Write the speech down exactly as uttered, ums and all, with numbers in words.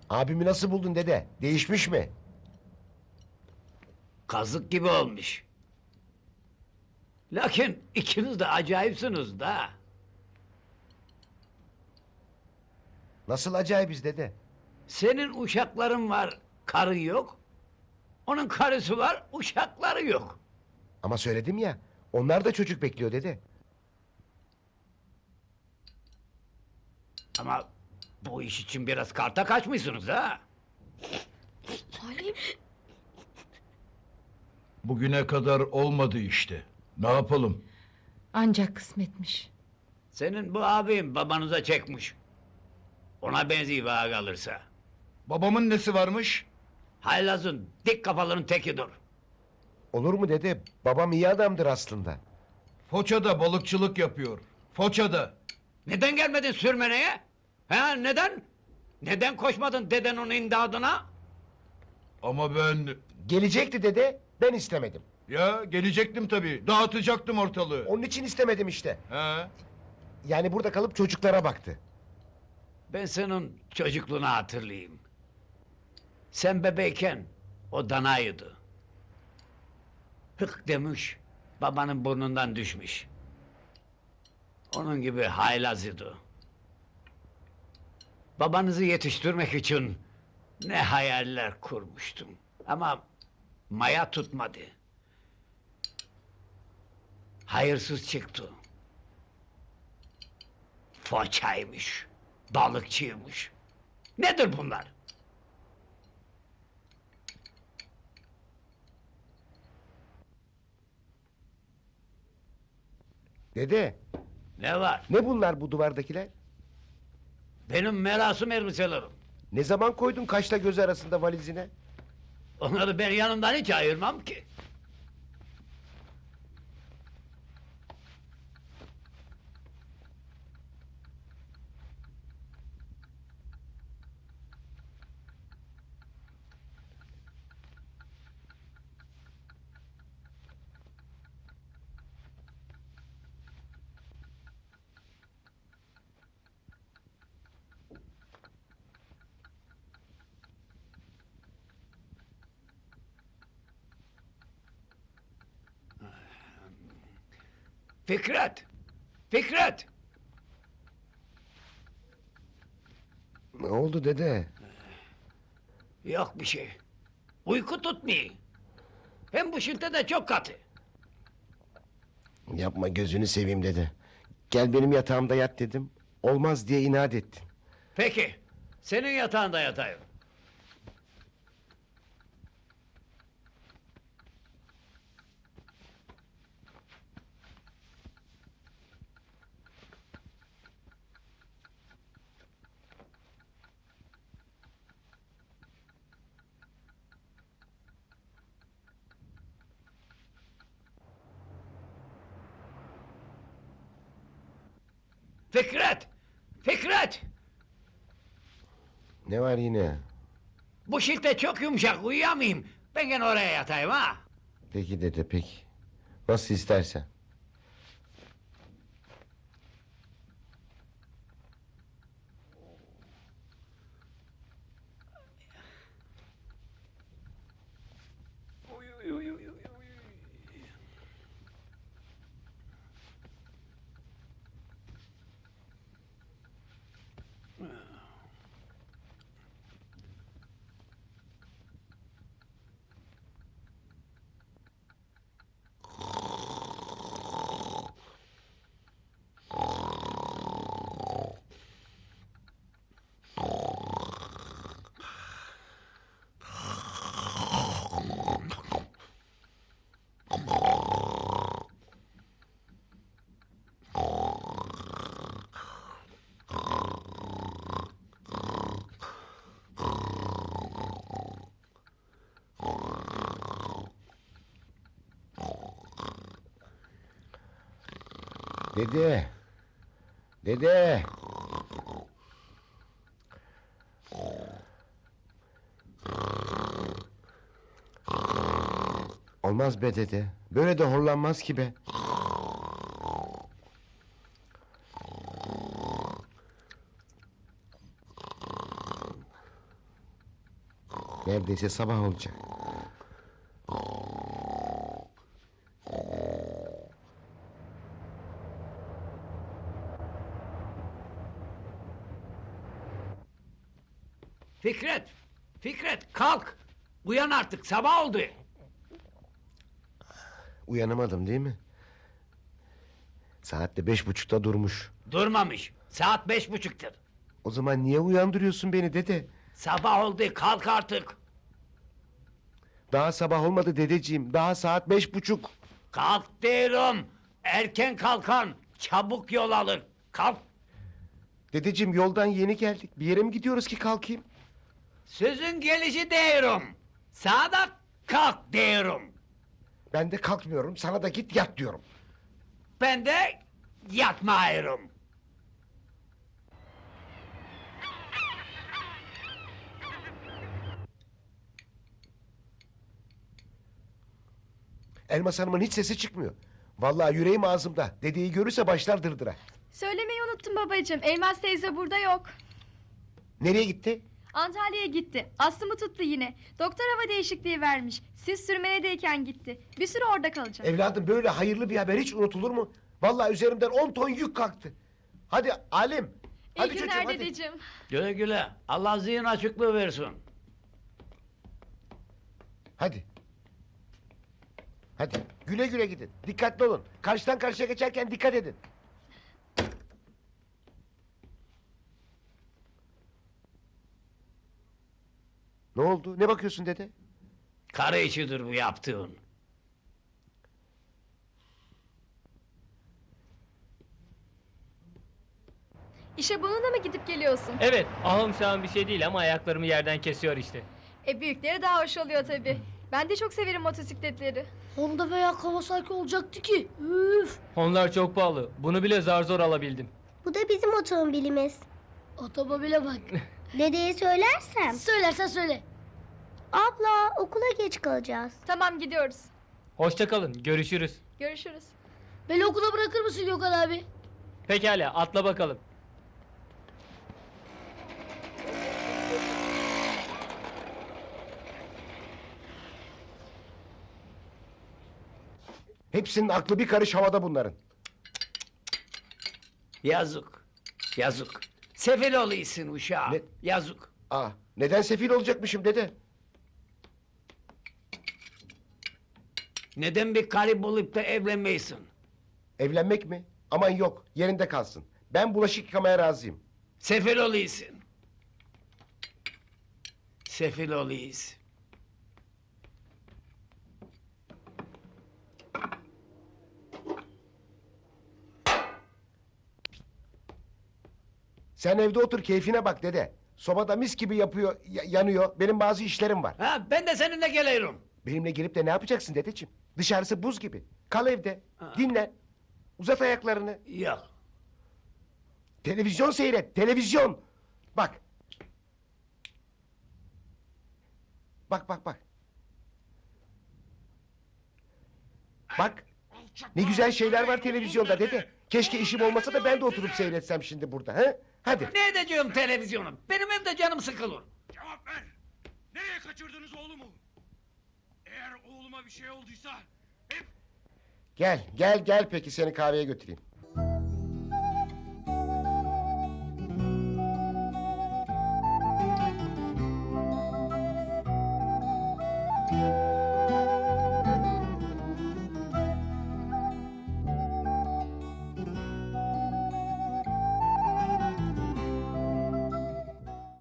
Abimi nasıl buldun dede? Değişmiş mi? Kazık gibi olmuş. Lakin ikiniz de acayipsiniz da. Nasıl acayibiz dede? Senin uşakların var, karın yok. Onun karısı var, uşakları yok. Ama söyledim ya, onlar da çocuk bekliyor dede. Ama bu iş için biraz karta kaçmışsınız ha. Halim. Bugüne kadar olmadı işte. Ne yapalım? Ancak kısmetmiş. Senin bu abin babanıza çekmiş. Ona benziyor bana kalırsa. Babamın nesi varmış? Haylazın dik kafaların tekidir. Olur mu dede? Babam iyi adamdır aslında. Foça'da balıkçılık yapıyor. Foça'da. Neden gelmedin sürmeneye? Ha neden? Neden koşmadın deden onun imdadına? Ama ben... Gelecekti dede, ben istemedim. Ya gelecektim tabii. Dağıtacaktım ortalığı. Onun için istemedim işte. He? Yani burada kalıp çocuklara baktı. Ben senin çocukluğunu hatırlayayım. Sen bebeyken o danaydı. Hık demiş, babanın burnundan düşmüş. Onun gibi haylaz idi. Babanızı yetiştirmek için ne hayaller kurmuştum. Ama maya tutmadı. Hayırsız çıktı. Foçaymış, balıkçıymış. Nedir bunlar? Dede, Ne var? ne bunlar bu duvardakiler? Benim merasım elbiselerim. Ne zaman koydun kaşla göz arasında valizine? Onları ben yanımdan hiç ayırmam ki. Fikret! Fikret! Ne oldu dede? Yok bir şey. Uyku tutmuyor. Hem bu şilte de çok katı. Yapma gözünü seveyim dede. Gel benim yatağımda yat dedim. Olmaz diye inat ettin. Peki, senin yatağında yatayım. Fikret! Fikret! Ne var yine? Bu şilte çok yumuşak, uyuyamayayım. Ben gene oraya yatayım ha. Peki dede peki. Nasıl istersen. Uy, uy, uy, uy, uy. Dede. Dede. Olmaz be dede. Böyle de horlanmaz ki be. Neredeyse sabah olacak. Fikret, Fikret kalk. Uyan artık sabah oldu. Uyanamadım değil mi? Saat de beş buçukta durmuş. Durmamış. Saat beş buçuktur. O zaman niye uyandırıyorsun beni dede? Sabah oldu kalk artık. Daha sabah olmadı dedeciğim. Daha saat beş buçuk. Kalk diyorum. Erken kalkan çabuk yol alır. Kalk. Dedeciğim yoldan yeni geldik. Bir yere mi gidiyoruz ki kalkayım? Sözün gelişi diyorum. Sağda kalk diyorum. Ben de kalkmıyorum. Sana da git yat diyorum. Ben de yatmıyorum. Elmas Hanım'ın hiç sesi çıkmıyor. Vallahi yüreğim ağzımda. Dedeyi görürse başlar dırdıra. Söylemeyi unuttum babacığım. Elmas teyze burada yok. Nereye gitti? Antalya'ya gitti. Astımı tuttu yine. Doktor hava değişikliği vermiş. Siz sürmenedeyken gitti. Bir süre orada kalacak. Evladım böyle hayırlı bir haber hiç unutulur mu? Vallahi üzerimden on ton yük kalktı. Hadi Alim. İyi Hadi günler çocuğum hadi. dedeciğim. Güle güle. Allah zihin açıklığı versin. Hadi. Hadi güle güle gidin. Dikkatli olun. Karşıdan karşıya geçerken dikkat edin. Ne oldu? Ne bakıyorsun dede? Karı içidir bu yaptığın. İşe bununla mı gidip geliyorsun? Evet, ahım şahım bir şey değil ama ayaklarımı yerden kesiyor işte. E büyükleri daha hoş oluyor tabii. Ben de çok severim motosikletleri. Honda veya Kawasaki olacaktı ki. Üf. Onlar çok pahalı. Bunu bile zar zor alabildim. Bu da bizim otomobilimiz. Otomobile bak. Dedeye söylersem. Söylersen söyle. Abla okula geç kalacağız. Tamam gidiyoruz. Hoşça kalın, görüşürüz. Görüşürüz. Beni okula bırakır mısın Gökhan abi? Pekala, atla bakalım. Hepsinin aklı bir karış havada bunların. Yazık. Yazık. Sefil oluyorsun uşağım. Ne? Yazık. Aa, neden sefil olacakmışım dede? Neden bir karı bulup da evlenmeysin? Evlenmek mi? Aman yok, yerinde kalsın. Ben bulaşık yıkamaya razıyım. Sefil oluyorsun. Sefil oluyorsun. Sen evde otur, keyfine bak dede. Sobada mis gibi yapıyor, ya- yanıyor. Benim bazı işlerim var. Ha, ben de seninle geliyorum. Benimle gelip de ne yapacaksın dedeciğim? Dışarısı buz gibi. Kal evde, dinlen. Uzat ayaklarını. Yok. Televizyon seyret, televizyon. Bak. Bak bak bak. Bak. Ne güzel şeyler var televizyonda dede. Keşke işim olmasa da ben de oturup seyretsem şimdi burada. He? Hadi. Ne edeceğim televizyonu? Benim evde canım sıkılır. Cevap ver! Nereye kaçırdınız oğlumu? Eğer oğluma bir şey olduysa hep Gel, gel, gel peki seni kahveye götüreyim.